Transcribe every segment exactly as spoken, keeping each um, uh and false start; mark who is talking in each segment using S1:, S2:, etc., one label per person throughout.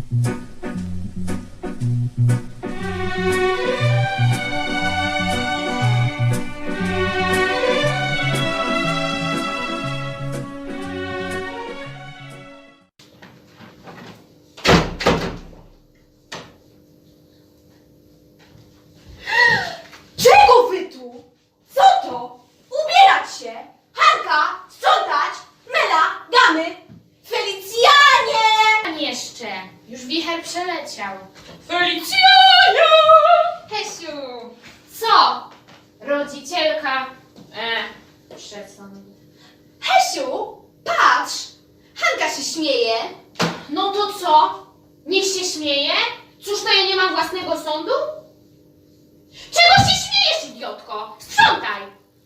S1: Czego wy tu? Co to? Ubierać się! Hanka! Sprzątać! Mela! Gamy! Felicjanie!
S2: Jeszcze. Już wicher przeleciał.
S1: Felicjanie!
S2: Hesiu! Co? Rodzicielka... E, przesąd.
S1: Hesiu! Patrz! Hanka się śmieje!
S2: No to co? Niech się śmieje? Cóż to ja nie mam własnego sądu? Czego się śmiejesz, idiotko? Sprzątaj!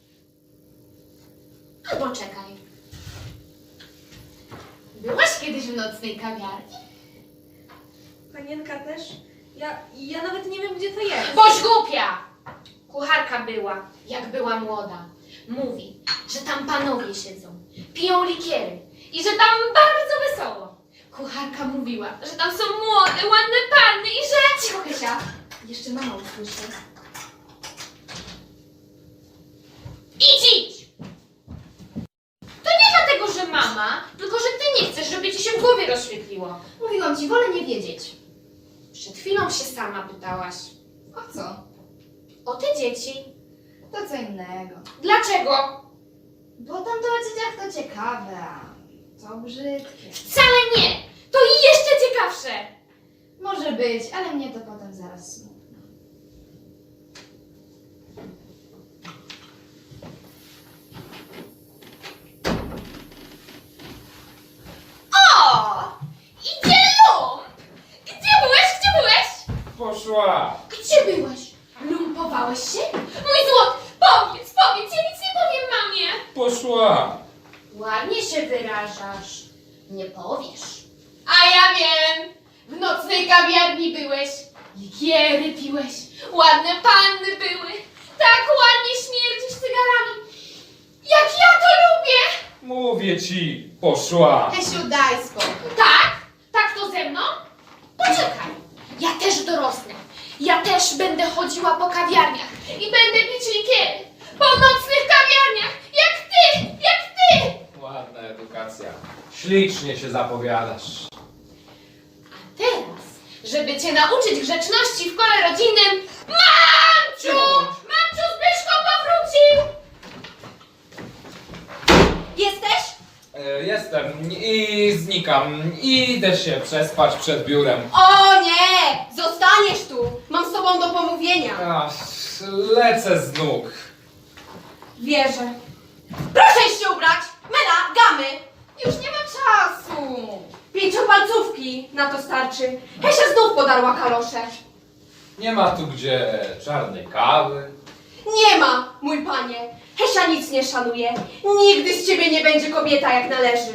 S2: Albo czekaj. Byłaś kiedyś w nocnej kawiarni?
S1: Panienka też? Ja, ja nawet nie wiem, gdzie to jest.
S2: Boś głupia! Kucharka była, jak była młoda. Mówi, że tam panowie siedzą, piją likiery i że tam bardzo wesoło. Kucharka mówiła, że tam są młode, ładne panny i że...
S1: Cicho, Hesia! Jeszcze mama usłyszy.
S2: Idź, idź! To nie dlatego, że mama, tylko że ty nie chcesz, żeby ci się w głowie rozświetliło.
S1: Mówiłam ci, wolę nie wiedzieć.
S2: Przed chwilą się sama pytałaś.
S1: O co?
S2: O te dzieci.
S1: To co innego.
S2: Dlaczego?
S1: Bo tam to o dzieciach to ciekawe, a to brzydkie.
S2: Wcale nie! To i jeszcze ciekawsze!
S1: Może być, ale mnie to potem zaraz smutno.
S2: O! Idzie lump! Gdzie byłeś? Gdzie byłeś?
S3: Poszła!
S2: Gdzie byłeś? Lumpowałeś się? Mój złot! Powiedz, powiedz! Ja nic nie powiem mamie!
S3: Poszła!
S2: Ładnie się wyrażasz. Nie powiesz. A ja wiem! W nocnej kawiarni byłeś. Likiery piłeś. Ładne panny były. Tak ładnie śmierdzisz cygarami. Jak ja to lubię!
S3: Mówię ci, poszła!
S1: Hesiu, daj spokój.
S2: Tak? Tak to ze mną? Poczekaj. Ja też dorosnę. Ja też będę chodziła po kawiarniach i będę pić likiery. Po nocnych kawiarniach. Jak ty! Jak ty!
S3: Ładna edukacja. Ślicznie się zapowiadasz.
S2: A teraz, żeby cię nauczyć grzeczności w kole rodzinnym, Mamciu!
S3: Cicho bądź.
S2: Mamciu, Zbyszko powrócił!
S1: Jesteś?
S3: E, jestem i znikam. Idę się przespać przed biurem.
S1: O nie! Zostaniesz tu! Mam z tobą do pomówienia.
S3: Ach, lecę z nóg.
S1: Wierzę. Proszę się ubrać! Mela, gamy! Już nie ma czasu. Pięciopalcówki na to starczy. Hesia znów podarła kalosze.
S3: Nie ma tu gdzie czarnej kawy.
S1: Nie ma, mój panie. Hesia nic nie szanuje. Nigdy z ciebie nie będzie kobieta jak należy.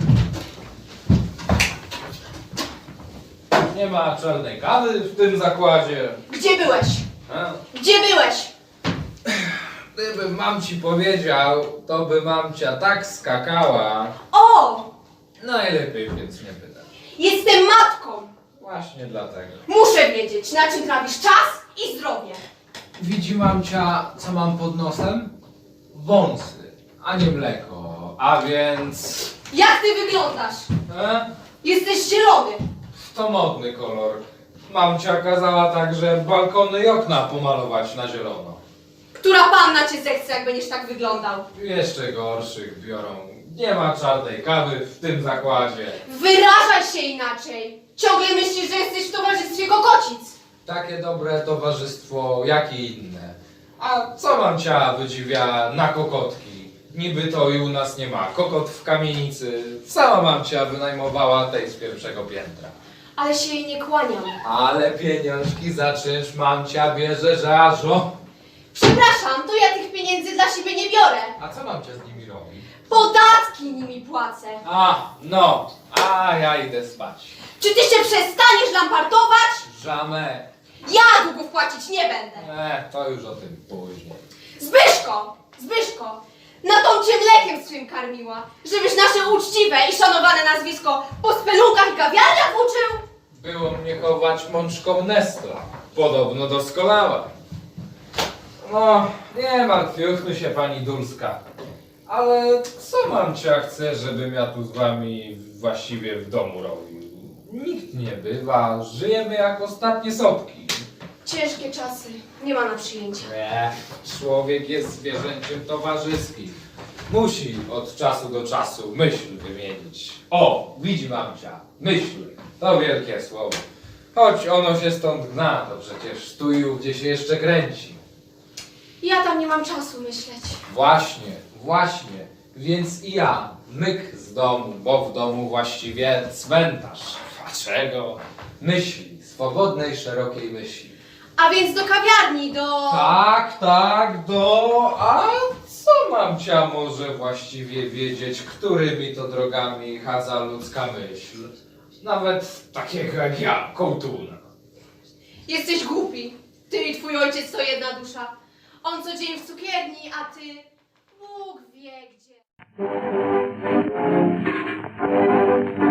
S3: Nie ma czarnej kawy w tym zakładzie.
S1: Gdzie byłeś?
S3: A?
S1: Gdzie byłeś?
S3: Gdybym mam ci powiedział, to by mamcia tak skakała.
S1: O!
S3: Najlepiej więc nie pytać.
S1: Jestem matką.
S3: Właśnie dlatego.
S1: Muszę wiedzieć, na czym trawisz czas i zdrowie.
S3: Widzi mamcia, co mam pod nosem? Wąsy, a nie mleko. A więc...
S1: Jak ty wyglądasz?
S3: E?
S1: Jesteś zielony.
S3: To modny kolor. Mamcia kazała także balkony i okna pomalować na zielono.
S1: Która panna cię zechce, jak będziesz tak wyglądał?
S3: Jeszcze gorszych biorą. Nie ma czarnej kawy w tym zakładzie.
S1: Wyrażaj się inaczej. Ciągle myślisz, że jesteś w towarzystwie kokocic.
S3: Takie dobre towarzystwo, jak i inne. A co mamcia wydziwia na kokotki? Niby to i u nas nie ma. Kokot w kamienicy. Sama mamcia wynajmowała tej z pierwszego piętra.
S1: Ale się jej nie kłaniam.
S3: Ale pieniążki za czynsz mamcia bierze, że aż o.
S1: Przepraszam, to ja tych pieniędzy dla siebie nie biorę.
S3: A co mamcia z nimi robi?
S1: Podatki nimi płacę.
S3: A, no, a ja idę spać.
S1: Czy ty się przestaniesz lampartować?
S3: Żamę.
S1: Ja długów płacić nie będę.
S3: E, to już o tym później.
S1: Zbyszko! Zbyszko! Na tą cię mlekiem swym karmiła, żebyś nasze uczciwe i szanowane nazwisko po spelunkach i kawiarniach uczył?
S3: opiekować mączką Nestor. Podobno doskonała. No, nie martwiuchmy się, pani Dulska. Ale co mamcia chce, żebym ja tu z wami właściwie w domu robił? Nikt nie bywa, żyjemy jak ostatnie sopki.
S1: Ciężkie czasy, nie ma na przyjęcie.
S3: Nie, człowiek jest zwierzęciem towarzyskim. Musi od czasu do czasu myśl wymienić. O, widzi mamcia, myśl, to wielkie słowo. Choć ono się stąd gna, to przecież tu i ówdzie się jeszcze kręci.
S1: Ja tam nie mam czasu myśleć.
S3: Właśnie, właśnie, więc i ja, myk z domu, bo w domu właściwie cmentarz. A czego? Myśli, swobodnej, szerokiej myśli.
S1: A więc do kawiarni, do...
S3: Tak, tak, do... A co mamcia może właściwie wiedzieć, którymi to drogami chadza ludzka myśl? Nawet takiego jak ja, kołtuna.
S1: Jesteś głupi. Ty i twój ojciec to jedna dusza. On co dzień w cukierni, a ty... Bóg wie gdzie.